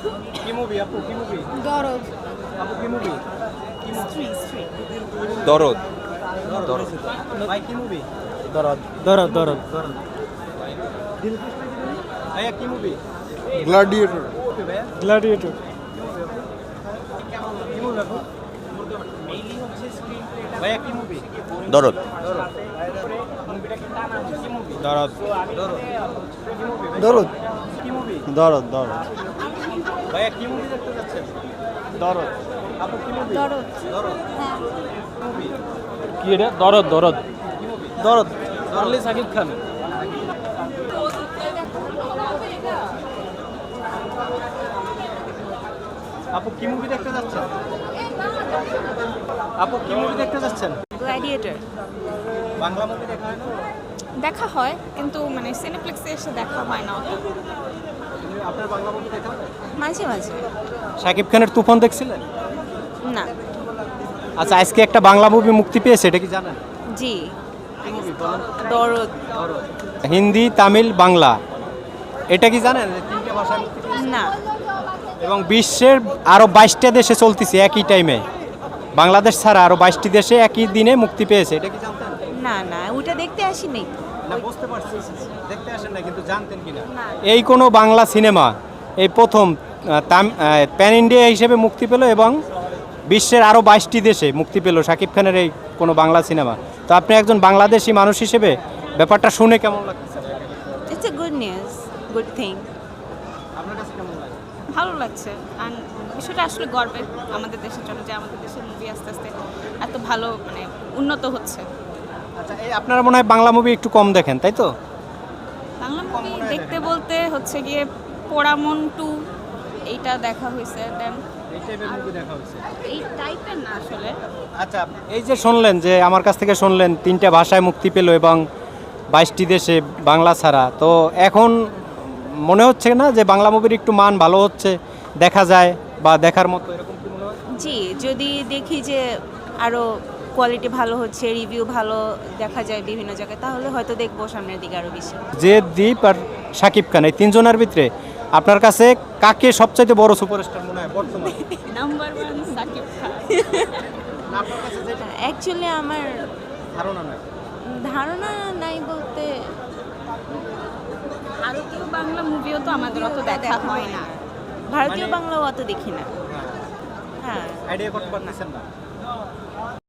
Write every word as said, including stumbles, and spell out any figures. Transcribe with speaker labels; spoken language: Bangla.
Speaker 1: কি মুভি আপু, কি মুভি
Speaker 2: দরদ।
Speaker 1: আপু, কি মুভি?
Speaker 2: স্ত্রী স্ত্রী
Speaker 3: দরদ।
Speaker 1: দরদ। ভাই কি মুভি?
Speaker 4: দরদ দরদ দরদ
Speaker 1: ভাইয়া কি মুভি?
Speaker 4: গ্ল্যাডিয়েটর
Speaker 1: ভাইয়া
Speaker 4: গ্ল্যাডিয়েটর
Speaker 1: কি মুভি আপু? ভাইয়া কি মুভি?
Speaker 3: দরদ।
Speaker 4: দরদ
Speaker 1: দরদ।
Speaker 4: দরদ
Speaker 1: কি মুভি?
Speaker 4: দরদ দরদ
Speaker 1: ভাইয়া কি মুভি দেখতে যাচ্ছেন?
Speaker 4: দরদ
Speaker 1: আপু কি মুভি?
Speaker 2: দরদ।
Speaker 1: দরদ।
Speaker 2: হ্যাঁ
Speaker 1: মুভি
Speaker 4: কি এটা দরদ দরদ
Speaker 1: কি মুভি?
Speaker 4: দরদ অনলি সাকিব খান
Speaker 1: আপু কি মুভি দেখতে যাচ্ছেন? আপু কি মুভি দেখতে যাচ্ছেন?
Speaker 2: গ্ল্যাডিয়েটর
Speaker 1: বাংলা মুভি দেখা হয় না?
Speaker 2: দেখা হয় কিন্তু মানে সিনেপ্লেক্সে এসে দেখা হয় না অত।
Speaker 1: আপনার বাংলা মুভি দেখা হয়?
Speaker 2: মাঝে মাঝে
Speaker 1: শাকিব খানের তুফান দেখছিলেন?
Speaker 2: না।
Speaker 1: আচ্ছা, আজকে একটা বাংলা মুভি মুক্তি পেয়েছে, এটা কি জানেন?
Speaker 2: জি
Speaker 1: কি মুভি বলেন?
Speaker 2: দরদ।
Speaker 1: হিন্দি, তামিল, বাংলা, এটা কি জানেন যে তিনটে ভাষায় মুক্তি পেয়েছে?
Speaker 2: না
Speaker 1: এবং বিশ্বের আরও বাইশটা দেশে চলতেছে একই টাইমে, বাংলাদেশ ছাড়া আরও বাইশটি দেশে একই দিনে মুক্তি পেয়েছে, এটা কি জানতেন?
Speaker 2: না না ওটা দেখতে আসিনি।
Speaker 1: না, বুঝতে পারছি, দেখতে আসেন না, কিন্তু জানতেন কিনা?
Speaker 2: না।
Speaker 1: এই কোনো বাংলা সিনেমা এই প্রথম প্যান ইন্ডিয়া হিসেবে মুক্তি পেল এবং বিশ্বের আরও বাইশটি দেশে মুক্তি পেল শাকিব খানের এই কোনো বাংলা সিনেমা। তো আপনি একজন বাংলাদেশি মানুষ হিসেবে ব্যাপারটা শুনে কেমন লাগছে?
Speaker 2: It's a good news, good thing.
Speaker 1: আপনার কাছে কেমন লাগে?
Speaker 2: ভালো লাগছে। আর বিষয়টা আসলে গর্বের আমাদের দেশের জন্য যে আমাদের দেশের মুভি আস্তে আস্তে এত ভালো মানে উন্নত হচ্ছে।
Speaker 1: আচ্ছা, এই আপনারা মনে হয় বাংলা মুভি একটু কম দেখেন, তাই তো?
Speaker 2: বাংলা মুভি দেখতে বলতে হচ্ছে গিয়ে পোড়ামন টু এইটা দেখা হয়েছে, দেন
Speaker 1: এই টাইপের মুভি দেখা হয়েছে।
Speaker 2: এই টাইপের না আসলে।
Speaker 1: আচ্ছা, এই যে শুনলেন, যে আমার কাছ থেকে শুনলেন তিনটা ভাষায় মুক্তি পেল এবং বাইশটি দেশে বাংলা ছাড়া, তো এখন মনে হচ্ছে না যে বাংলা মুভির একটু মান ভালো হচ্ছে, দেখা যায় বা দেখার মতো, এরকম কি মনে হয়?
Speaker 2: জি, যদি দেখি যে আরও কোয়ালিটি ভালো হচ্ছে, রিভিউ ভালো দেখা যায় বিভিন্ন জায়গায়, তাহলে হয়তো দেখবো সামনের দিকে আরও বেশি।
Speaker 1: যে দীপ আর শাকিব খান, এই তিনজনের ভিতরে আপনার কাছে কাকে সবচাইতে বড় সুপারস্টার মনে হয় বর্তমানে?
Speaker 2: Number one Shakib Khan.
Speaker 1: আপনার কাছে যেটা
Speaker 2: অ্যাকচুয়ালি আমার
Speaker 1: ধারণা নাই।
Speaker 2: ধারণা নাই বলতে ভারতীয় বাংলা মুভিও তো আমাদের অত দেখা হয় না, ভারতীয়
Speaker 1: মানে-
Speaker 2: বাংলাও অত দেখি না। হ্যাঁ
Speaker 1: আইডিয়া করতে পারতেছেন না?